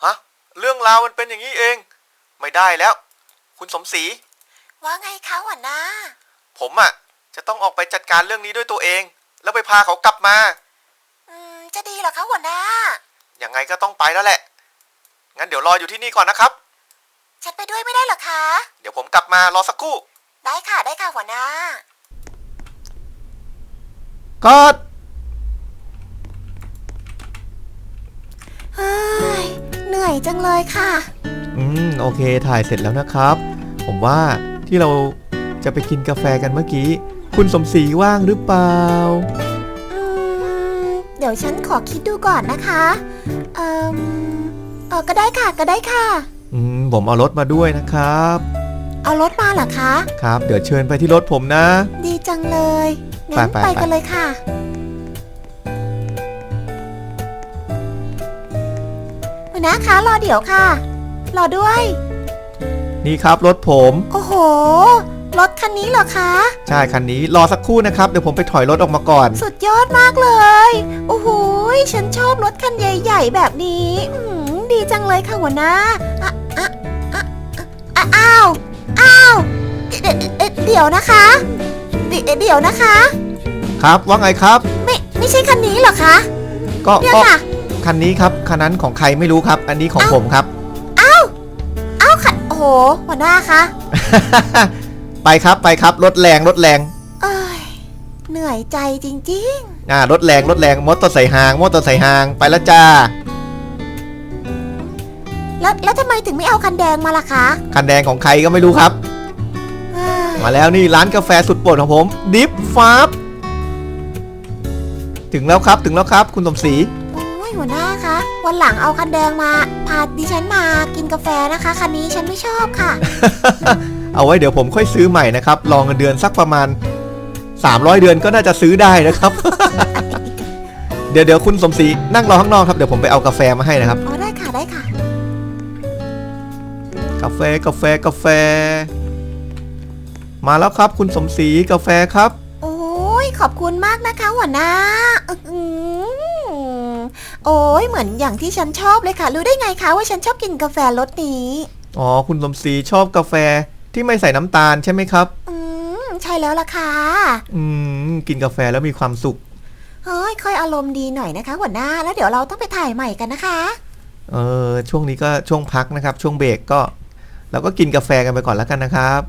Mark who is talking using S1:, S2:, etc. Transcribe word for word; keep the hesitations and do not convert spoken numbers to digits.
S1: ฮะเรื่องราวมันเป็นอย่างนี้เองไม่ได้แล้วคุณสมศรี
S2: ว่าไงคะหัวหน้า
S1: ผมอ่ะจะต้องออกไปจัดการเรื่องนี้ด้วยตัวเองแล้วไปพาเขากลับมา
S2: อืมจะดีเหรอคะหัวหน้า
S1: ยังไงก็ต้องไปแล้วแหละงั้นเดี๋ยวรออยู่ที่นี่ก่อนนะครับ
S2: ฉันไปด้วยไม่ได้เหรอคะ
S1: เดี๋ยวผมกลับมารอสักครู่
S2: ได้ค่ะได้ค่ะหัวหน้า
S1: ก็
S2: เฮ้ยเหนื่อยจังเลยค่ะ
S1: อืมโอเคถ่ายเสร็จแล้วนะครับผมว่าที่เราจะไปกินกาแฟกันเมื่อกี้คุณสมศรีว่างหรือเปล่า
S2: อืมเดี๋ยวฉันขอคิดดูก่อนนะคะเอ่อเออก็ได้ค่ะก็ได้ค่ะ
S1: อืมผมเอารถมาด้วยนะครับ
S2: เอารถมาเหรอคะ
S1: ครับเดี๋ยวเชิญไปที่รถผมนะ
S2: ดีจังเลยงั้นไปกันเลยค่ะหัวหน้าคะรอเดี๋ยวค่ะรอด้วย
S1: นี่ครับรถผม
S2: โอ้โหรถคันนี้เหรอคะ
S1: ใช่คันนี้รอสักครู่นะครับเดี๋ยวผมไปถอยรถออกมาก่อน
S2: สุดยอดมากเลยโอ้โหฉันชอบรถคันใหญ่ๆแบบนี้ดีจังเลยค่ะหัวหน้าอ่ะอ่ะอ่ะอ่ะอ้าวอ้าวเดี๋ยวเดี๋ยวนะคะเดี๋ยวเดี๋ยวนะคะ
S1: ครับว่าไงครับ
S2: ไม่ไม่ใช่คันนี้เหรอคะ
S1: ก็ก็คันนี้ครับคันนั้นของใครไม่รู้ครับอันนี้ของผมครับ
S2: อ้าวอ้าวค่ะโอ้โหหัวหน้าคะ
S1: ไปครับไปครับรถแรงรถแรง
S2: เอ้ยเหนื่อยใจจริง
S1: ๆอ่ารถแรงรถแรงมอเตอร์ไซค์หางมอเตอร์ไซค์หางไปแล้วจ้า
S2: แล้วแล้วทำไมถึงไม่เอาคันแดงมาล่ะคะ
S1: คันแดงของใครก็ไม่รู้ครับมาแล้วนี่ร้านกาแฟสุดโปรดของผมดิฟฟาร์ถึงแล้วครับถึงแล้วครับคุณสมศรี
S2: โอ้ยหัวหน้าคะวันหลังเอาคันแดงมาพาดิฉันมากินกาแฟนะคะคันนี้ฉันไม่ชอบค่ะ
S1: เอาไว้เดี๋ยวผมค่อยซื้อใหม่นะครับรอเงินเดือนสักประมาณสามร้อยเดือนก็น่าจะซื้อได้นะครับ เดี๋ยวเดี๋ยวคุณสมศรีนั่งรอข้างนอกครับเดี๋ยวผมไปเอากาแฟมาให้นะครับ
S2: อ๋อได้ค่ะได้ค่ะ
S1: กาแฟกาแฟกาแฟมาแล้วครับคุณสมศรีกาแฟครับ
S2: โอ้ยขอบคุณมากนะคะหัวหน้าโอ้ยเหมือนอย่างที่ฉันชอบเลยค่ะรู้ได้ไงคะว่าฉันชอบกินกาแฟรสนี้
S1: อ๋อคุณสมศรีชอบกาแฟที่ไม่ใส่น้ำตาลใช่ไหมครับ
S2: อืมใช่แล้วล่ะค่ะ
S1: อืมกินกาแฟแล้วมีความสุข
S2: เฮ้ยค่อยอารมณ์ดีหน่อยนะคะหัวหน้าแล้วเดี๋ยวเราต้องไปถ่ายใหม่กันนะคะ
S1: เออช่วงนี้ก็ช่วงพักนะครับช่วงเบรกก็เราก็กินกาแฟกันไปก่อนแล้วกันนะครับ